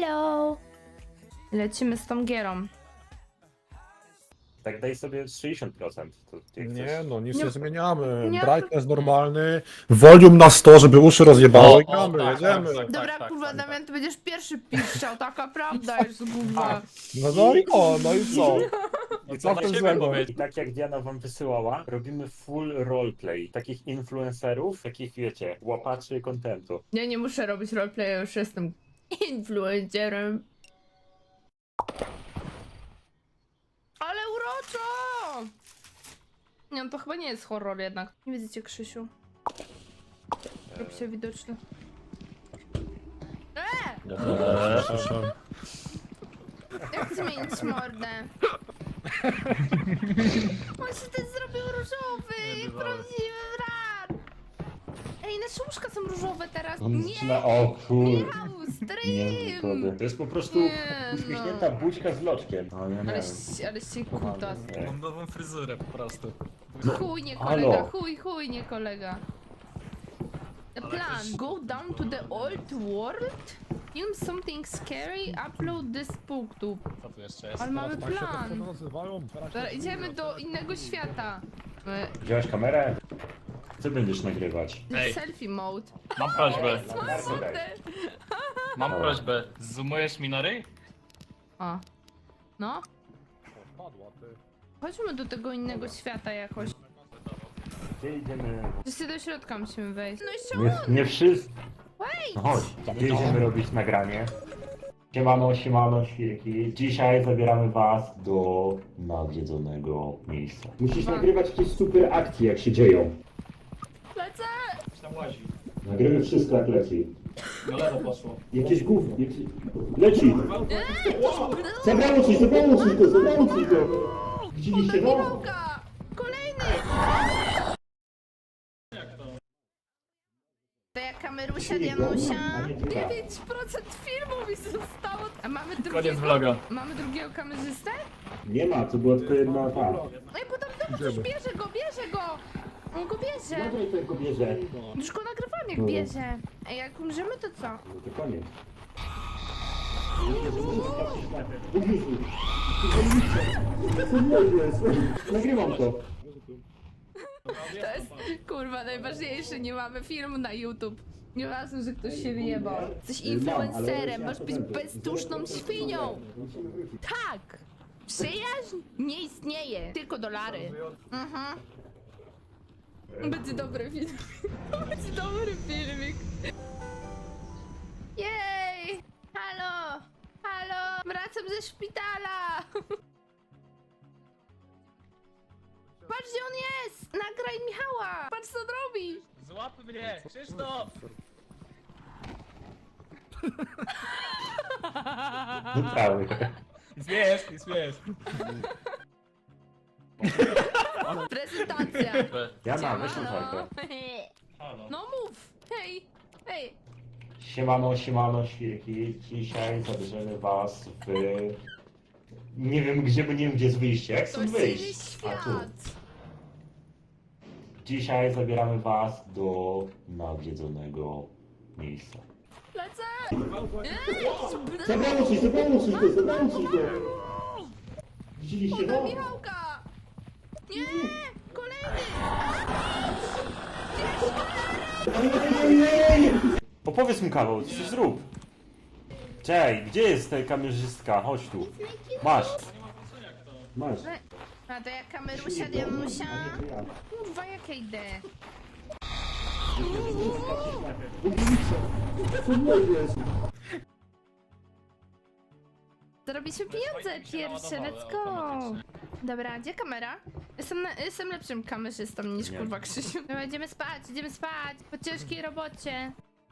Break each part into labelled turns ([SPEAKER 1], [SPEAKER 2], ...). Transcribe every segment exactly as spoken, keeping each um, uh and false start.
[SPEAKER 1] Hello! Lecimy z tą gierą.
[SPEAKER 2] Tak daj sobie sześćdziesiąt procent. To ty
[SPEAKER 3] Nie
[SPEAKER 2] chcesz...
[SPEAKER 3] no, nic
[SPEAKER 1] Nie-
[SPEAKER 3] nie, zmieniamy.
[SPEAKER 1] nie-
[SPEAKER 3] Brightness normalny, volume na sto, żeby uszy rozjebało i
[SPEAKER 4] O, o,
[SPEAKER 3] gramy,
[SPEAKER 4] tak,
[SPEAKER 3] jedziemy.
[SPEAKER 4] tak, tak.
[SPEAKER 1] Dobra, kurwa,
[SPEAKER 4] tak,
[SPEAKER 1] Damian, ty będziesz pierwszy piszczał, taka prawda jest, kurwa.
[SPEAKER 3] No, no i o, no i co?
[SPEAKER 4] No
[SPEAKER 3] I
[SPEAKER 4] co
[SPEAKER 3] co w
[SPEAKER 4] na
[SPEAKER 3] tym
[SPEAKER 4] siebie
[SPEAKER 3] złego?
[SPEAKER 4] powiedzieć?
[SPEAKER 2] I tak jak Diana wam wysyłała, robimy full roleplay. Takich influencerów, takich wiecie, łapaczy kontentu.
[SPEAKER 1] Ja nie muszę robić roleplaya, już jestem influencerem. Ale uroczo! Nie, no to chyba nie jest horror jednak. Nie widzicie, Krzysiu? Robi się widoczny. Eee!
[SPEAKER 3] Przepraszam.
[SPEAKER 1] Jak zmienić mordę? On się ten zrobił różowy, jak prawdziwy brat. Ej, nasze łóżka są różowe teraz. Nie!
[SPEAKER 2] O kur...
[SPEAKER 1] Michał,
[SPEAKER 2] Nie,
[SPEAKER 1] stream!
[SPEAKER 2] to, to jest po prostu
[SPEAKER 1] Nie,
[SPEAKER 2] uśmiechnięta buźka z loczkiem. No, ja nie
[SPEAKER 1] Ale,
[SPEAKER 2] wiem.
[SPEAKER 1] ale się kutas.
[SPEAKER 2] Nie.
[SPEAKER 4] Mam nową fryzurę po prostu.
[SPEAKER 1] Chuj, nie
[SPEAKER 2] Halo.
[SPEAKER 1] kolega, chuj, chuj, nie kolega. The plan, go down to the old world, film something scary, upload this booktube.
[SPEAKER 4] Co tu jeszcze jest?
[SPEAKER 1] Ale mamy
[SPEAKER 3] Tak się to
[SPEAKER 1] plan.
[SPEAKER 3] nazywają.
[SPEAKER 1] Dobra, idziemy do innego świata. E,
[SPEAKER 2] Wziąłeś kamerę? Co będziesz nagrywać?
[SPEAKER 4] Ej.
[SPEAKER 1] Selfie mode.
[SPEAKER 4] Mam prośbę,
[SPEAKER 1] Mam mordę.
[SPEAKER 4] mam prośbę. Zoomujesz mi na ryj?
[SPEAKER 1] O. No,
[SPEAKER 3] Padła, ty.
[SPEAKER 1] chodźmy do tego innego świata jakoś.
[SPEAKER 2] Gdzie idziemy?
[SPEAKER 1] Wszyscy do środka musimy wejść. No jeszcze
[SPEAKER 2] Nie, nie wszyscy.
[SPEAKER 1] wait!
[SPEAKER 2] No chodź, gdzie idziemy robić nagranie? Siemano, siemano, świrki. Dzisiaj zabieramy was do nawiedzonego miejsca. Musisz nagrywać jakieś super akcje, jak się dzieją.
[SPEAKER 1] Lecę!
[SPEAKER 4] Coś tam łazi.
[SPEAKER 2] Nagrywaj wszystko, jak leci.
[SPEAKER 4] Na lewo poszło.
[SPEAKER 2] Jakieś gówno, jakieś... Leci! Zabrało coś, zabrało coś to, zabrało coś to! Widzieliście to?
[SPEAKER 1] Michałka! Kolejny! To jak kamerusia, Dianusia. dziewięć procent filmu mi zostało. A mamy
[SPEAKER 4] Koniec
[SPEAKER 1] drugiego,
[SPEAKER 4] vloga.
[SPEAKER 1] mamy drugiego kamerzystę?
[SPEAKER 2] Nie ma, to była tylko jedna ta.
[SPEAKER 1] No i potem znowu coś
[SPEAKER 3] Idziemy.
[SPEAKER 1] bierze go, bierze go! On go bierze!
[SPEAKER 2] Nagraj tego bierze.
[SPEAKER 1] Już go nagrywam jak
[SPEAKER 2] No.
[SPEAKER 1] bierze. A jak umrzemy to co?
[SPEAKER 2] No to koniec. Nagrywam to.
[SPEAKER 1] To jest kurwa najważniejsze, nie mamy filmu na YouTube. Nieważne, że ktoś się wyjebał. Jesteś influencerem, masz być bezduszną świnią. Tak! Przyjaźń nie istnieje, tylko dolary. Mhm. Będzie dobry film. Będzie dobry filmik. Jej! Halo! Halo! Wracam ze szpitala! Patrz gdzie on jest! Nagraj Michała! Patrz co on robi!
[SPEAKER 4] Złap mnie! Krzysztof!
[SPEAKER 2] Cały.
[SPEAKER 4] Nic nie jest, nic nie jest.
[SPEAKER 1] Prezentacja!
[SPEAKER 2] Jana, weź tą
[SPEAKER 1] Siemano.
[SPEAKER 2] fajkę.
[SPEAKER 4] Halo.
[SPEAKER 1] No mów! Hej! Hej!
[SPEAKER 2] Siemano, siemano, świrki. Dzisiaj zabierzemy was w... Nie wiem gdzie, bo nie wiem gdzie jest wyjście. Jak
[SPEAKER 1] To
[SPEAKER 2] stąd
[SPEAKER 1] jest
[SPEAKER 2] wyjść?
[SPEAKER 1] inny
[SPEAKER 2] A tu.
[SPEAKER 1] świat!
[SPEAKER 2] Dzisiaj zabieramy was do nawiedzonego miejsca.
[SPEAKER 1] Lecę!
[SPEAKER 2] Zabrało coś, zabrało coś to, zabrało coś to. Widzieliście
[SPEAKER 1] Podaj
[SPEAKER 2] to?
[SPEAKER 1] Michałka! Nie! Kolejny!
[SPEAKER 2] Opowiedz mu kawał, coś zrób. Cześć, gdzie jest ta kamerzystka? Chodź tu. Masz. Masz.
[SPEAKER 1] A to jak kamerusia, Dianusia? Kurwa, jak ja idę? Zarobiliśmy pieniądze pierwsze, let's go! Dobra, gdzie kamera? Jestem, na, jestem lepszym kamerzystą niż
[SPEAKER 2] Nie.
[SPEAKER 1] kurwa Krzysiu. Dobra, idziemy spać, idziemy spać po ciężkiej robocie.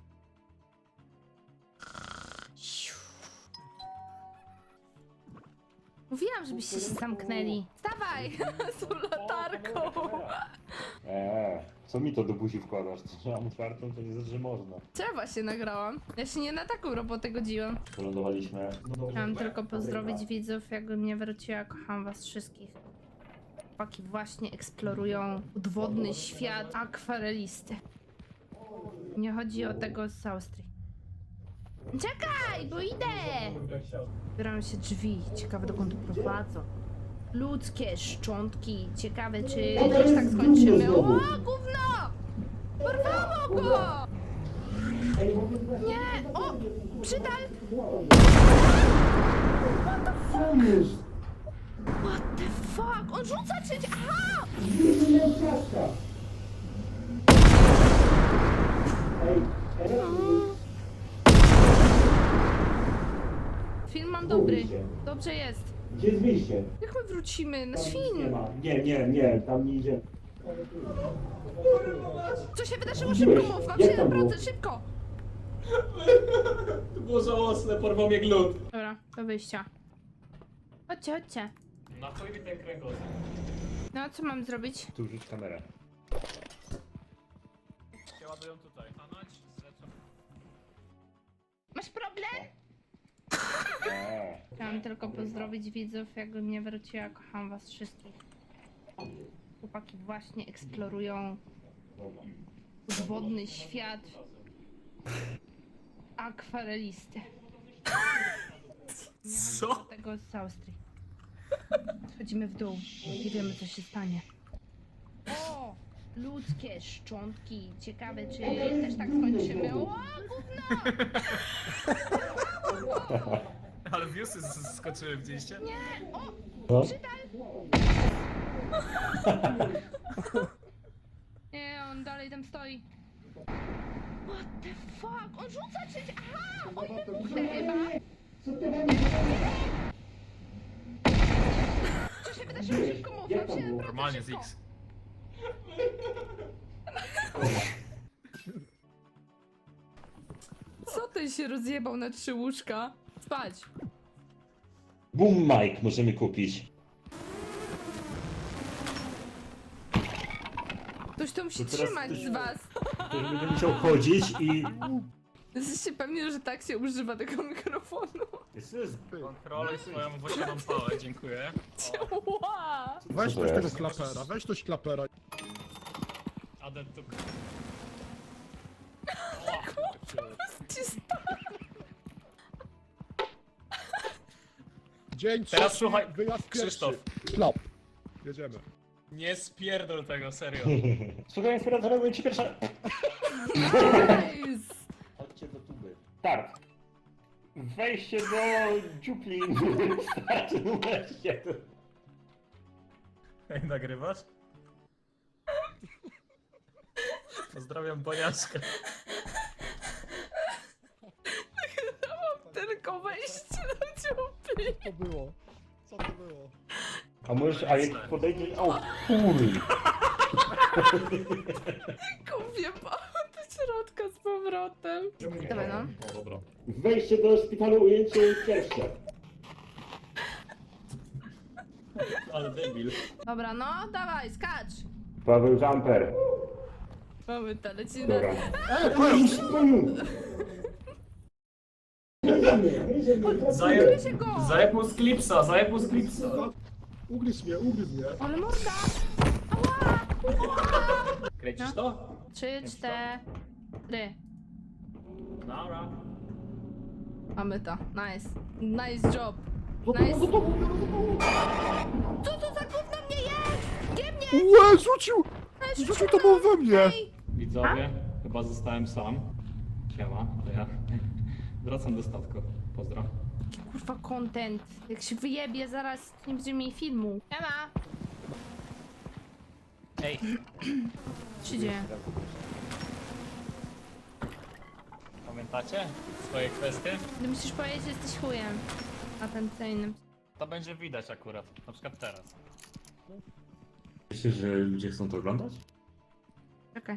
[SPEAKER 1] Mówiłam, żebyście się zamknęli. Wstawaj! Z tą latarką!
[SPEAKER 2] Eee, co mi to do buzi wkładasz? To mam otwartą, to nie znaczy, że można.
[SPEAKER 1] Co ja właśnie nagrałam? Ja się nie na taką robotę godziłam.
[SPEAKER 2] Wylądowaliśmy.
[SPEAKER 1] Chciałam tylko pozdrowić widzów, jakby mnie wróciła. Kocham was wszystkich. Chłopaki właśnie eksplorują podwodny świat akwarelisty. Nie chodzi o tego z Austrii. Czekaj, bo idę! Otwierają się drzwi, ciekawe dokąd prowadzą. Ludzkie szczątki, ciekawe czy też tak skończymy. O, gówno! Porwało go! Nie, o, przydal! What the fuck? On rzuca czy... Aha! Film mam dobry. Dobrze jest.
[SPEAKER 2] Gdzie jest wyjście?
[SPEAKER 1] Jak my wrócimy na
[SPEAKER 2] Nie
[SPEAKER 1] świn?
[SPEAKER 2] ma. Nie, nie, nie, tam nie idzie.
[SPEAKER 1] Co się wydarzyło? Szybko mów, mam
[SPEAKER 2] Jak
[SPEAKER 1] siedem
[SPEAKER 2] tam było?
[SPEAKER 1] procent, szybko!
[SPEAKER 4] To było żałosne, porwał mnie glut.
[SPEAKER 1] Dobra, do wyjścia. Chodźcie, chodźcie.
[SPEAKER 4] Na chuj mi ten kręgosłup.
[SPEAKER 1] No, co mam zrobić?
[SPEAKER 2] Tu rzuć kamerę.
[SPEAKER 4] Się ładują tutaj. Stanąć, zlecam.
[SPEAKER 1] Masz problem?
[SPEAKER 2] Eee.
[SPEAKER 1] Chciałam tylko pozdrowić widzów, jakbym nie wróciła. Kocham was wszystkich. Chłopaki właśnie eksplorują podwodny świat akwarelisty.
[SPEAKER 4] Co?
[SPEAKER 1] Do tego z Austrii. Schodzimy w dół. Nie wiemy, co się stanie. O! Ludzkie szczątki. Ciekawe, czy też tak skończymy. O, gówno!
[SPEAKER 4] Ale viewsy z- skoczyły, widzieliście?
[SPEAKER 1] Nie! O!
[SPEAKER 2] No?
[SPEAKER 1] Przydal! Nie, on dalej tam stoi. What the fuck? On rzuca czy... Aha! On wybuchnie chyba! Co się wydarzyło? Szybko mów, mam siedem procent,
[SPEAKER 4] Normalnie z
[SPEAKER 1] szybko.
[SPEAKER 4] X.
[SPEAKER 1] Co ten się rozjebał na trzy łóżka? Spać!
[SPEAKER 2] Boom mic możemy kupić.
[SPEAKER 1] Ktoś to musi
[SPEAKER 2] To teraz
[SPEAKER 1] trzymać
[SPEAKER 2] ktoś-
[SPEAKER 1] z was.
[SPEAKER 2] Ktoś będzie musiał chodzić i...
[SPEAKER 1] Jesteście pewni, że tak się używa tego mikrofonu?
[SPEAKER 2] This is...
[SPEAKER 4] Kontroluj swoją włosioną pałę, dziękuję.
[SPEAKER 1] Ła!
[SPEAKER 3] Weź
[SPEAKER 2] Co to
[SPEAKER 3] ktoś tego
[SPEAKER 2] jest?
[SPEAKER 3] klapera, weź ktoś klapera.
[SPEAKER 4] Adet tu...
[SPEAKER 1] Ci sta-
[SPEAKER 3] Dzień
[SPEAKER 4] Teraz
[SPEAKER 3] trzeci,
[SPEAKER 4] słuchaj,
[SPEAKER 3] wyjazd
[SPEAKER 4] Krzysztof.
[SPEAKER 3] pierwszy. Klap. Jedziemy.
[SPEAKER 4] Nie spierdol tego, serio.
[SPEAKER 2] Słuchaj, inspiratora, mówię ci pierwsza...
[SPEAKER 1] Nice!
[SPEAKER 2] Chodźcie do tuby. Start. Wejście do dziupli. Start numer jeden.
[SPEAKER 4] Ej, nagrywasz? Pozdrawiam Boniaszkę.
[SPEAKER 1] Tylko wejście do dziupli.
[SPEAKER 3] Co to było? Co to było?
[SPEAKER 2] A możesz, a jak podejdziesz... O kur...
[SPEAKER 1] Kupię do środka z powrotem. Dawaj no.
[SPEAKER 4] O, dobra.
[SPEAKER 2] Wejście do szpitalu, ujęcie pierwsze.
[SPEAKER 4] Ale debil.
[SPEAKER 1] Dobra, no, dawaj, skacz.
[SPEAKER 2] Paweł Jumper.
[SPEAKER 1] Mamy to, lecimy.
[SPEAKER 2] Dobra. Eee,
[SPEAKER 4] Zajeb,
[SPEAKER 1] się go!
[SPEAKER 4] zajeb mu z klipsa, zajeb mu z klipsa.
[SPEAKER 3] Ugryź mnie, ugryź mnie.
[SPEAKER 1] Ale morda!
[SPEAKER 4] Kręcisz to?
[SPEAKER 1] Trzy, cztery.
[SPEAKER 4] Dobra.
[SPEAKER 1] Mamy to. Nice. Nice job. Nice. Co to za gówno mnie jest? Gdzie mnie?
[SPEAKER 3] Łe, rzucił!
[SPEAKER 1] Weź,
[SPEAKER 3] Rzucił to było we mnie!
[SPEAKER 1] Ej,
[SPEAKER 4] Widzowie, chyba zostałem sam. Siema, to ja. Wracam do statku. Pozdro.
[SPEAKER 1] kurwa, content. Jak się wyjebie, zaraz nie będziemy mieli filmu. Siema.
[SPEAKER 4] Ej,
[SPEAKER 1] Co się dzieje?
[SPEAKER 4] pamiętacie swoje kwestie?
[SPEAKER 1] Ty musisz powiedzieć, że jesteś chujem. Atencyjnym.
[SPEAKER 4] To będzie widać akurat, na przykład teraz.
[SPEAKER 2] Myślisz, że ludzie chcą to oglądać?
[SPEAKER 1] Czekaj.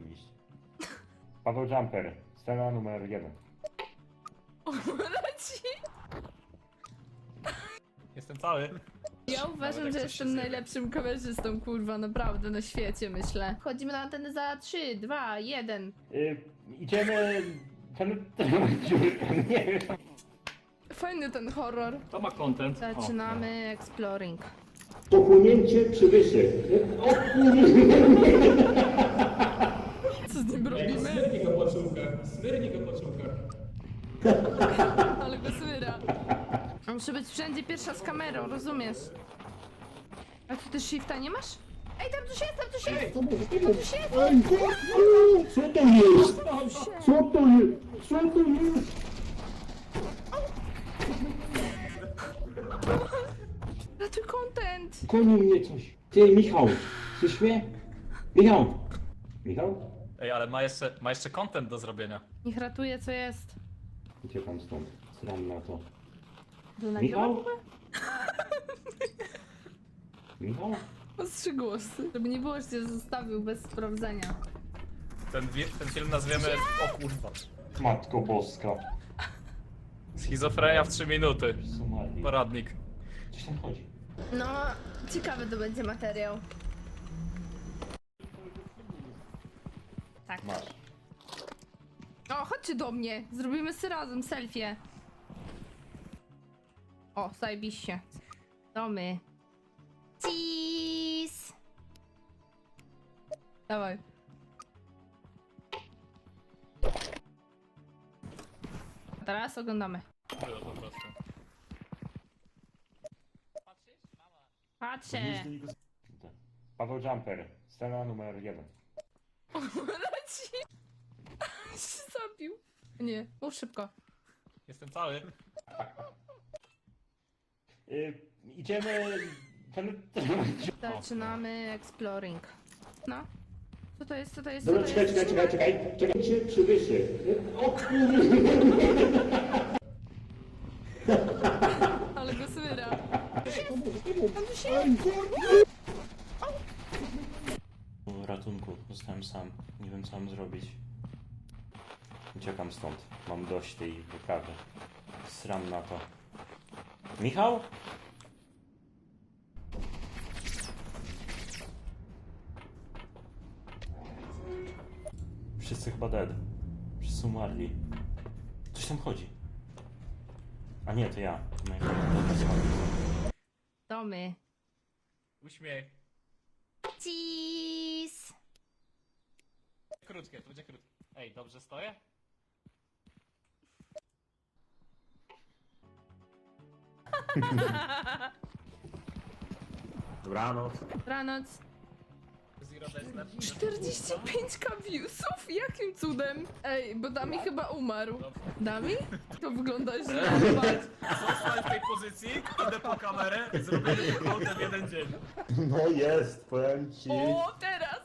[SPEAKER 2] Paweł Jumper. Scena numer jeden.
[SPEAKER 1] O, leci.
[SPEAKER 4] Jestem cały.
[SPEAKER 1] Ja uważam,
[SPEAKER 4] jak
[SPEAKER 1] że
[SPEAKER 4] coś się
[SPEAKER 1] jestem
[SPEAKER 4] zjebie.
[SPEAKER 1] najlepszym kamerzystą, kurwa, naprawdę, na świecie, myślę. Wchodzimy na antenę za trzy, dwa, jeden.
[SPEAKER 2] Y, idziemy... Ten... Nie wiem.
[SPEAKER 1] Fajny ten horror.
[SPEAKER 4] To ma content.
[SPEAKER 1] Zaczynamy exploring.
[SPEAKER 2] Pochłonięcie przywyszy. O
[SPEAKER 1] Co z nim robimy?
[SPEAKER 4] Smyrnij go po czółkach, smyrnij go po czółkach.
[SPEAKER 1] Ale go słyra. Muszę być wszędzie pierwsza z kamerą, rozumiesz? A ty też shifta nie masz? Ej, tam coś jest, tam coś jest! Tam coś jest!
[SPEAKER 2] Ej, co to jest? Co to jest? Co to jest?
[SPEAKER 1] Ratuj content!
[SPEAKER 2] Goni mnie coś. Ty, Michał, słyszysz mnie? Michał! Michał?
[SPEAKER 5] Ej, ale ma jeszcze, ma jeszcze content do zrobienia.
[SPEAKER 1] Niech ratuje co jest.
[SPEAKER 2] Uciekam stąd. Sram na to.
[SPEAKER 1] To nagrywa w
[SPEAKER 2] Michał?
[SPEAKER 1] ogóle?
[SPEAKER 2] Michał?
[SPEAKER 1] O trzy głosy. Żeby nie było, że cię zostawił bez sprawdzenia.
[SPEAKER 5] Ten, wi- ten film nazwiemy... O kurwa.
[SPEAKER 2] Matko Boska.
[SPEAKER 5] Schizofrenia w trzy minuty.
[SPEAKER 2] Somalii.
[SPEAKER 5] Poradnik.
[SPEAKER 2] Coś tam chodzi.
[SPEAKER 1] No, ciekawy to będzie materiał. Tak.
[SPEAKER 2] Masz.
[SPEAKER 1] O, chodźcie do mnie. Zrobimy sobie razem selfie. O, zajebiście. Domy. Cheese. Dawaj. A teraz oglądamy.
[SPEAKER 5] Było po prostu.
[SPEAKER 1] Patrzę.
[SPEAKER 2] Paweł Jumper. Scena numer jeden.
[SPEAKER 1] Leci. się zabił. Nie, mów szybko.
[SPEAKER 5] Jestem cały.
[SPEAKER 2] Y, idziemy... Ten...
[SPEAKER 1] Zaczynamy exploring. No. Co to jest? Co to jest? Co
[SPEAKER 2] Dobra,
[SPEAKER 1] to
[SPEAKER 2] czekaj,
[SPEAKER 1] jest?
[SPEAKER 2] czekaj, czekaj, czekaj. Czekaj, się przywyszy. O kurde.
[SPEAKER 1] Ale go słyra.
[SPEAKER 2] Ratunku, zostałem sam. Nie wiem co mam zrobić. Uciekam stąd. Mam dość tej wyprawy. Sram na to. Michał? Wszyscy chyba dead. Wszyscy umarli. Coś tam chodzi. A nie, to ja. To moja
[SPEAKER 1] Domy.
[SPEAKER 5] Uśmiech.
[SPEAKER 1] Cheese.
[SPEAKER 5] Krótkie, to będzie krótkie. Ej, dobrze stoję?
[SPEAKER 2] Dobranoc.
[SPEAKER 1] Dobranoc.
[SPEAKER 5] Zero Desner.
[SPEAKER 1] czterdzieści pięć ka viewsów? Jakim cudem? Ej, bo Dami chyba umarł. Dami? To wygląda źle. Patrz.
[SPEAKER 5] Zostań w tej pozycji, idę po kamerę, zrobię hołdę w jeden dzień.
[SPEAKER 2] No jest, powiem ci.
[SPEAKER 1] O, teraz!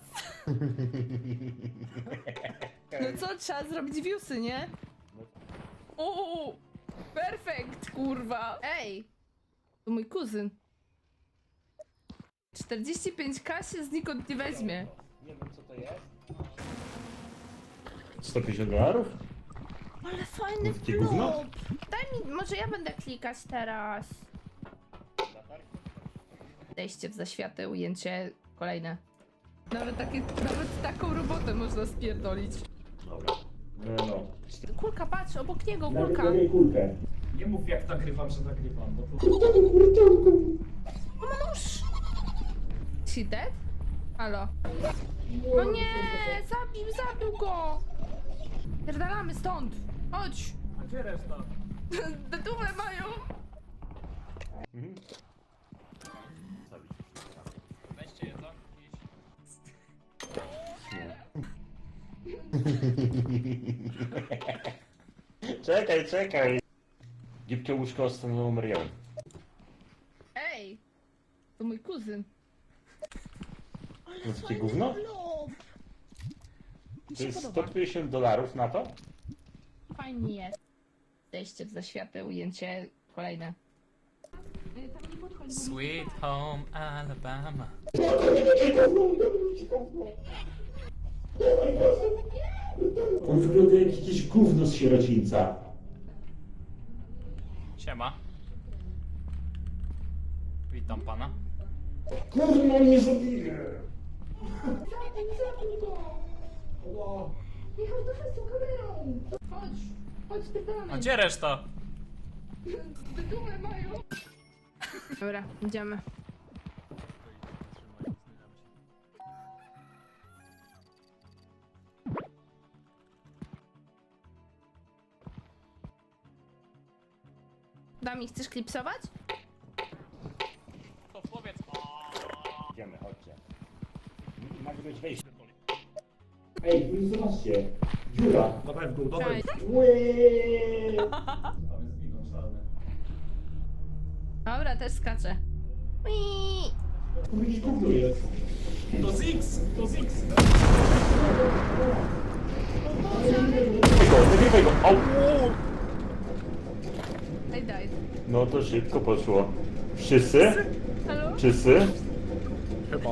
[SPEAKER 1] No co, trzeba zrobić viewsy, nie? O, perfekt, kurwa. Ej, to mój kuzyn. czterdzieści pięć ka się znikąd nie weźmie.
[SPEAKER 2] Nie wiem co to jest. sto pięćdziesiąt dolarów?
[SPEAKER 1] Ale fajny
[SPEAKER 2] Takie gówno?
[SPEAKER 1] flop. Daj mi, może ja będę klikać teraz. Wejście w zaświatę, ujęcie kolejne. Nawet, takie, nawet taką robotę można spierdolić.
[SPEAKER 2] Dobra. No, no.
[SPEAKER 1] Kulka, patrz, obok niego kulka.
[SPEAKER 2] kulkę.
[SPEAKER 4] Nie mów jak nagrywam, że nagrywam, bo to...
[SPEAKER 1] O, ma nóż! She dead? Halo. No nie, zabił, zabił go! Pierdalamy stąd! Chodź!
[SPEAKER 4] A gdzie reszta?
[SPEAKER 1] Dedumę mają!
[SPEAKER 2] Mhm.
[SPEAKER 5] Weźcie jedzonko iść.
[SPEAKER 2] Czekaj, czekaj. Gipkie łóżko scena numer jeden.
[SPEAKER 1] Ej! To mój kuzyn.
[SPEAKER 2] No takie gówno? To jest sto pięćdziesiąt dolarów na to?
[SPEAKER 1] Fajnie jest. Wejście w zaświatę, ujęcie kolejne.
[SPEAKER 5] Sweet home Alabama.
[SPEAKER 2] On wygląda jak jakieś gówno z sierocińca.
[SPEAKER 5] Siema. Witam pana.
[SPEAKER 2] Kurno, on mnie zabije!
[SPEAKER 1] Michał, dawaj z tą kamerą! Chodź! Chodź,
[SPEAKER 5] A
[SPEAKER 1] pierdalamy!
[SPEAKER 5] gdzie reszta?
[SPEAKER 1] Dedumę mają! Dobra, idziemy. nami, chcesz klipsować?
[SPEAKER 4] To powiedz.
[SPEAKER 2] Idziemy, chodźcie. Nagrywać wejście. Ej, wy zobaczcie. Dziura.
[SPEAKER 3] Dawaj w dół, dawaj.
[SPEAKER 1] Cześć.
[SPEAKER 2] Łeee.
[SPEAKER 4] Tam jest wino czarne.
[SPEAKER 1] Dobra, też skaczę. Ui.
[SPEAKER 2] Tu jakiś gówno jest.
[SPEAKER 5] To Zix! To Zix!
[SPEAKER 2] Nagrywaj go, nagrywaj go. Au.
[SPEAKER 1] I died.
[SPEAKER 2] No to szybko poszło. Wszyscy?
[SPEAKER 1] Halo?
[SPEAKER 2] Wszyscy?
[SPEAKER 3] Chyba.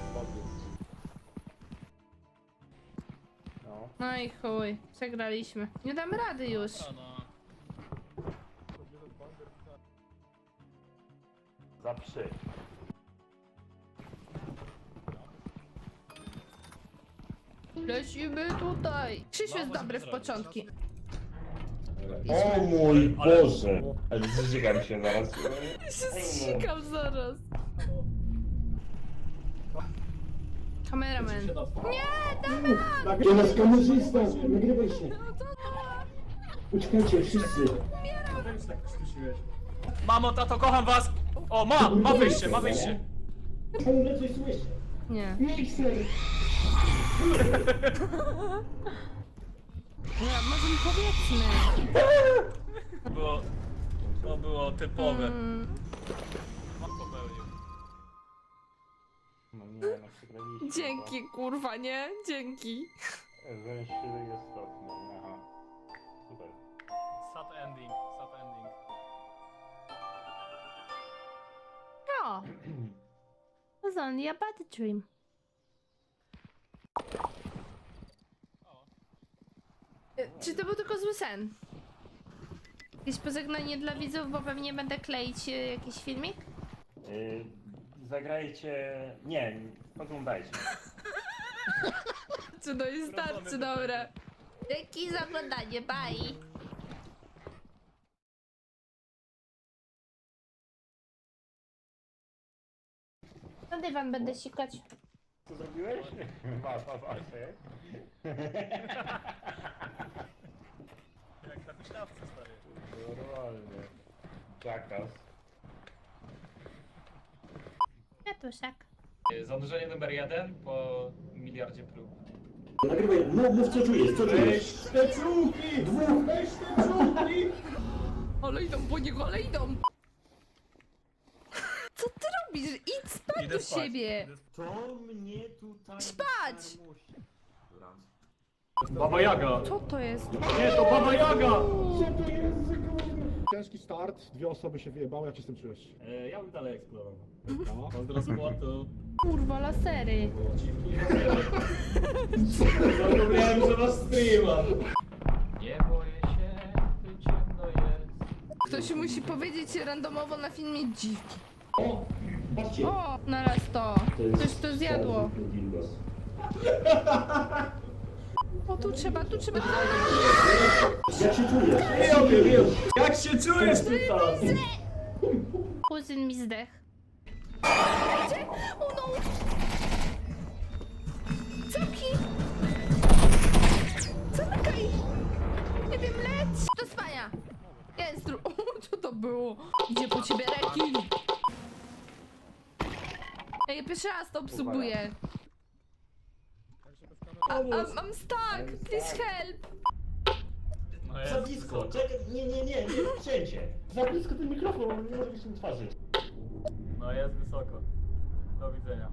[SPEAKER 2] No.
[SPEAKER 1] No i chuj, przegraliśmy. Nie damy rady już.
[SPEAKER 2] Za trzy.
[SPEAKER 1] Lecimy tutaj. Krzysiu jest dobry w początki.
[SPEAKER 2] O mój Boże! Ale zżygam się zaraz.
[SPEAKER 1] się zsikam zaraz. Kameraman. Nie, dawaj!
[SPEAKER 2] To nasz kamerzysta! Nagrywaj się!
[SPEAKER 1] No to
[SPEAKER 2] Uciekajcie, wszyscy!
[SPEAKER 5] Mamo, tato, kocham was! O, ma! Ma wyjście, ma wyjście!
[SPEAKER 2] Ciągle coś słyszę.
[SPEAKER 1] nie.
[SPEAKER 2] Mikser!
[SPEAKER 1] No, może mi powiedzmy.
[SPEAKER 5] To było... To było typowe.
[SPEAKER 1] Mm,
[SPEAKER 5] On popełnił.
[SPEAKER 2] No nie, no przegraliśmy.
[SPEAKER 1] dzięki, kurwa, nie? Dzięki.
[SPEAKER 2] Wężczyzna jest stopny. Aha. Super.
[SPEAKER 5] Sad ending, sad ending.
[SPEAKER 1] No. It was only a bad dream. E, Czy to był tylko zły sen? Jakieś pożegnanie dla widzów, bo pewnie będę kleić e, jakiś filmik?
[SPEAKER 2] Yy, zagrajcie... Nie, oglądajcie.
[SPEAKER 1] Czy to jest starczy, dobra. Dzięki za oglądanie, bye! Na dywan będę sikać.
[SPEAKER 2] Co zrobiłeś? Masz, masz, masz.
[SPEAKER 5] Jak na huśtawce, stary.
[SPEAKER 2] Normalnie. Jackass.
[SPEAKER 1] Kwiatuszek.
[SPEAKER 4] Zanurzenie numer jeden po miliardzie prób.
[SPEAKER 2] Nagrywaj, mów, mów co czujesz, co czujesz? Te czułki! Dwóch, weź te czułki!
[SPEAKER 1] Ale idą po niego, ale idą! Co ty robisz? Idź spać do siebie!
[SPEAKER 2] To mnie tutaj...
[SPEAKER 1] Spać!
[SPEAKER 4] Baba Jaga!
[SPEAKER 1] Co to jest?
[SPEAKER 4] Nie, to Baba Jaga!
[SPEAKER 2] Co to jest za gówno?
[SPEAKER 3] Ciężki start, dwie osoby się wyjebały, jak się z tym czujesz?
[SPEAKER 4] E, ja bym dalej eksplorował.
[SPEAKER 3] No.
[SPEAKER 4] Pozdro z płotu.
[SPEAKER 1] Kurwa, lasery.
[SPEAKER 4] Zapomniałem, że masz streama. Nie boję się, gdy ciemno jest.
[SPEAKER 1] Ktoś musi powiedzieć randomowo na filmie dziwki.
[SPEAKER 2] O, patrzcie.
[SPEAKER 1] O, naraz to. Ktoś to zjadło. O, tu trzeba, tu trzeba.
[SPEAKER 2] Jak się czujesz?
[SPEAKER 4] Ja wiem, jak się czujesz tutaj?
[SPEAKER 1] Kuzyn mi zdech. Gdzie? O no! Całki! Zamykaj! Nie wiem, leć! Do spania! Jest dru... O, co to było? Idzie po ciebie rekin! Ej, ja pierwszy raz to obsługuję. A, a, I'm stuck! Please help!
[SPEAKER 5] No
[SPEAKER 2] Za
[SPEAKER 5] jest.
[SPEAKER 2] blisko, czekaj, nie, nie, nie, nie, wszędzie. Za blisko ten mikrofon, nie może być na twarzy.
[SPEAKER 5] No jest wysoko. Do widzenia.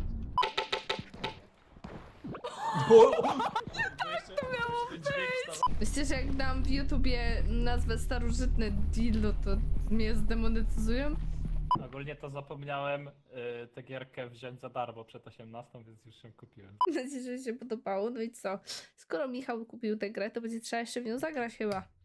[SPEAKER 1] To miało być! Myślicie, że jak dam w YouTubie nazwę starożytne dildo, to mnie zdemonetyzują?
[SPEAKER 5] Ogólnie to zapomniałem y, tę gierkę wziąć za darmo przed osiemnastą, więc już ją kupiłem.
[SPEAKER 1] Mam nadzieję, że się podobało. No i co? Skoro Michał kupił tę grę, to będzie trzeba jeszcze w nią zagrać chyba.